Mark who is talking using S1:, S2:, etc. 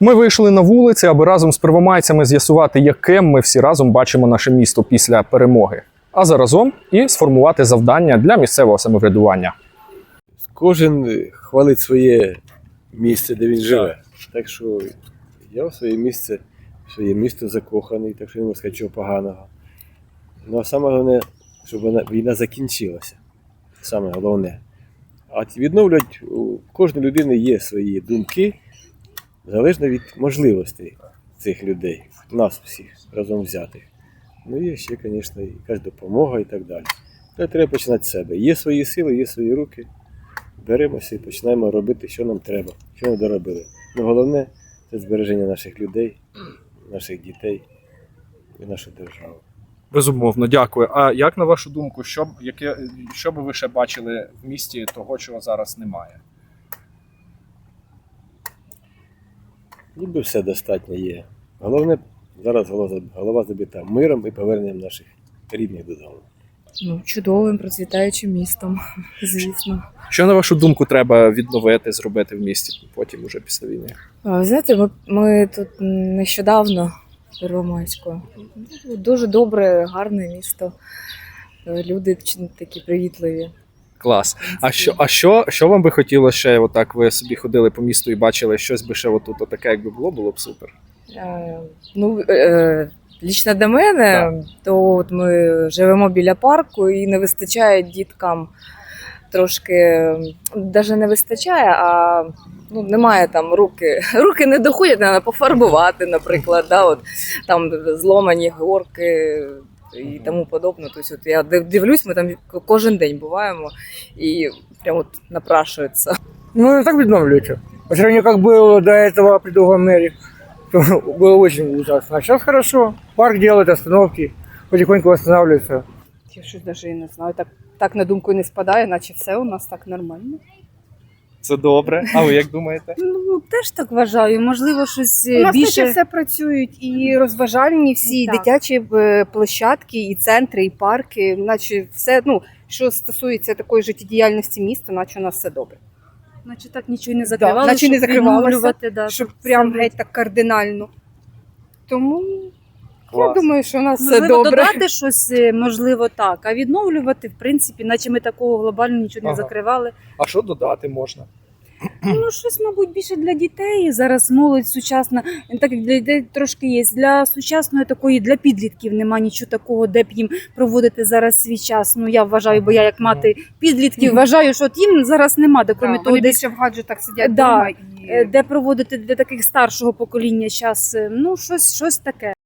S1: Ми вийшли на вулиці, аби разом з первомайцями з'ясувати, яким ми всі разом бачимо наше місто після перемоги, а заразом і сформувати завдання для місцевого самоврядування.
S2: Кожен хвалить своє місце, де він живе. Так що я в своє місто закоханий, так що не можу сказати чого поганого. Ну а саме головне, щоб війна закінчилася. Саме головне. А відновлювати у кожної людини є свої думки, залежно від можливостей цих людей, нас всіх разом взятих. Ну є ще, звісно, якась допомога і так далі. Але треба починати з себе. Є свої сили, є свої руки. Беремося і починаємо робити, що нам треба, що ми доробили. Ну головне це збереження наших людей, наших дітей і нашу державу.
S1: Безумовно, дякую. А як на вашу думку, що би ви ще бачили в місті того, чого зараз немає?
S2: Ніби все достатньо є. Головне, зараз голова забита миром і поверненням наших рідних додому.
S3: Ну, чудовим, процвітаючим містом, звісно.
S1: Що, на вашу думку, треба відновити, зробити в місті потім, уже після війни?
S3: Ви знаєте, ми тут нещодавно в Первомайську. Дуже добре, гарне місто. Люди такі привітливі.
S1: Клас. Що вам би хотілося ще, отак ви собі ходили по місту і бачили щось би ще отут, отаке, якби було б супер?
S3: Лічно до мене, то от ми живемо біля парку і не вистачає діткам трошки, навіть не вистачає, а немає там руки не доходять, треба пофарбувати, наприклад, там зломані горки і тому подобне. Тобто, от я дивлюсь, ми там кожен день буваємо і прямо от напрашується.
S4: Ну, так відновлюється. По сравнению, как было до этого при другом мэре, то было очень ужасно. А сейчас хорошо. Парк делает остановки, потихоньку восстанавливается.
S5: Я щось навіть і не знаю. Так на думку не спадає, наче все у нас так нормально.
S1: Це добре. А ви як думаєте?
S6: Ну, теж так вважаю. Можливо, щось
S5: У нас
S6: більше.
S5: наче все працюють, і розважальні всі,
S6: Так.
S5: дитячі площадки, і центри, і парки. Наче все, що стосується такої життєдіяльності міста, наче у нас все добре.
S6: Наче так нічого не закривали,
S5: наче не
S6: щоб
S5: закривалося,
S6: відновлювати,
S5: Щоб
S6: все
S5: прям
S6: це.
S5: геть так кардинально. Тому
S1: Клас.
S5: я думаю, що у нас все
S6: Можливо,
S5: добре.
S6: додати щось, можливо, так. А відновлювати, в принципі, наче ми такого глобально нічого не
S1: Ага.
S6: закривали.
S1: А що додати можна?
S6: Ну, щось, мабуть, більше для дітей. Зараз молодь сучасна, так як для дітей трошки є. Для сучасної такої, для підлітків нема нічого такого, де б їм проводити зараз свій час. Ну, я вважаю, бо я як мати підлітків вважаю, що от їм зараз нема, де крім того,
S5: Вони
S6: десь
S5: більше в гаджетах сидять
S6: Да.
S5: вдома. І...
S6: де проводити для таких старшого покоління час. Ну, щось таке.